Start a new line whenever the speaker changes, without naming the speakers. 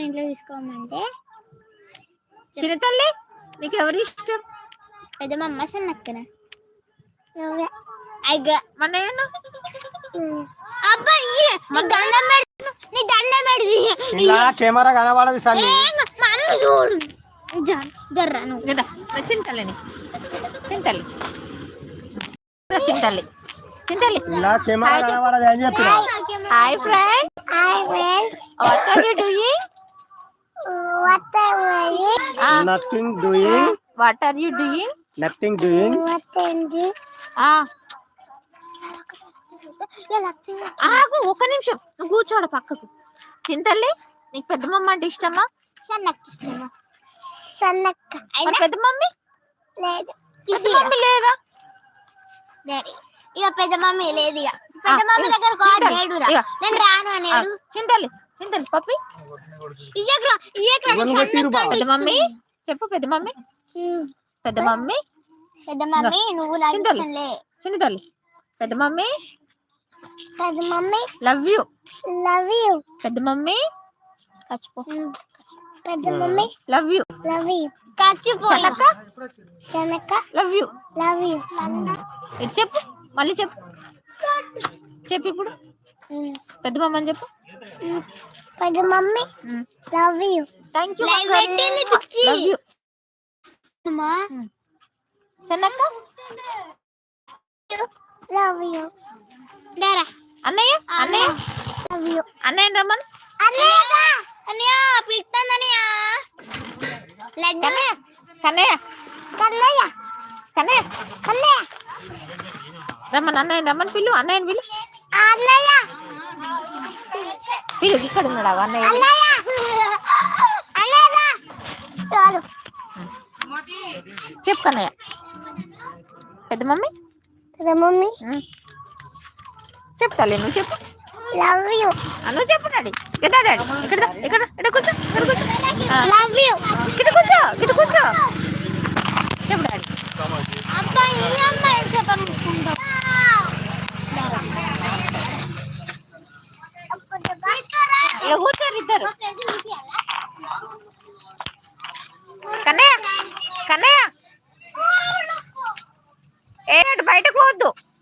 ఇంట్లో తీసుకోమంటే
చిన్న తల్లి నీకు ఎవరు ఇష్టం?
పెద్దమ్మ సన్నక్కన
కెమెరా కనబడదు సన్ని
చూడు జర్రా
చింతల్లి చింతల్లి చింతల్లి చింతల్లి
ఇలా కెమెరా కనబడదు అని చెప్తున్నా.
Hi friends, what are you doing?
Nothing doing.
What are you doing?
Nothing doing.
ఆగు ఒక్క నిమిషం, నువ్వు కూర్చోడు పక్కకు. చింతల్లి నీకు పెద్ద మమ్మ అంటే ఇష్టమా? పెద్ద మమ్మీ
లేదు,
పెద్ద మమ్మీ లేదా?
ఇక పెద్ద మమ్మీ లేదు, ఇక పెద్ద మమ్మీ దగ్గర లేడురా, నేను రాను అనేది.
చింతల్లి చింతల్లి పప్పి పెద్ద మమ్మీ చెప్పు. పెద్ద మమ్మీ పెద్ద మమ్మీ
పెద్ద మమ్మీ నువ్వు
చింతల్లి పెద్ద మమ్మీ
పెద్ద మమ్మీ
లవ్ యూ పెద్ద మమ్మీ
పెద్ద మమ్మీ
లవ్ యూ
శనక్క
లవ్ యూ
లవ్ యూ.
ఇటు చెప్పు, మళ్ళీ చెప్పు చెప్పు ఇప్పుడు. పెద్ద మమ్మ అని చెప్పు.
పెద్ద mummy love you.
Thank you.
Love you
చెన్నక్క
లవ్ యూ. దారా
అన్నయ్య అన్నయ్య
లవ్ యూ.
అన్నయ్య రమ్మను.
అన్నయ్య పిలుస్తానన్నయ్య. లడ్డు
కన్నయ్య
కన్నయ్య
కన్నయ్య
కన్నయ్య
రమ్మను. అన్నయ్య రమ్మను, పిల్లు అన్నయ్యని పిల్లు.
అన్నయ్య
పిల్లు ఇక్కడ ఉన్నాడు అన్నయ్య.
చాలు
చెప్పు కన్నయ్య. పెద్ద మమ్మీ
పెద్ద మమ్మీ
చెప్తాలే, నువ్వు చెప్పు.
Love you.
నువ్వు చెప్పు డాడీ. కదా డాడీ ఇక్కడ ఇక్కడ ఇక్కడ కూర్చో, ఇక్కడ కూర్చో.
Love you.
ఇక్కడ కూర్చో, ఇక్కడ కూర్చో. చెప్పు డాడీ.
అబ్బాయి అమ్మాయి చెప్పనుకుంటా.
ఇలా కూర్చోరు ఇద్దరు. కన్నయ్య కన్నయ్య ఏ బయటకు పోవద్దు.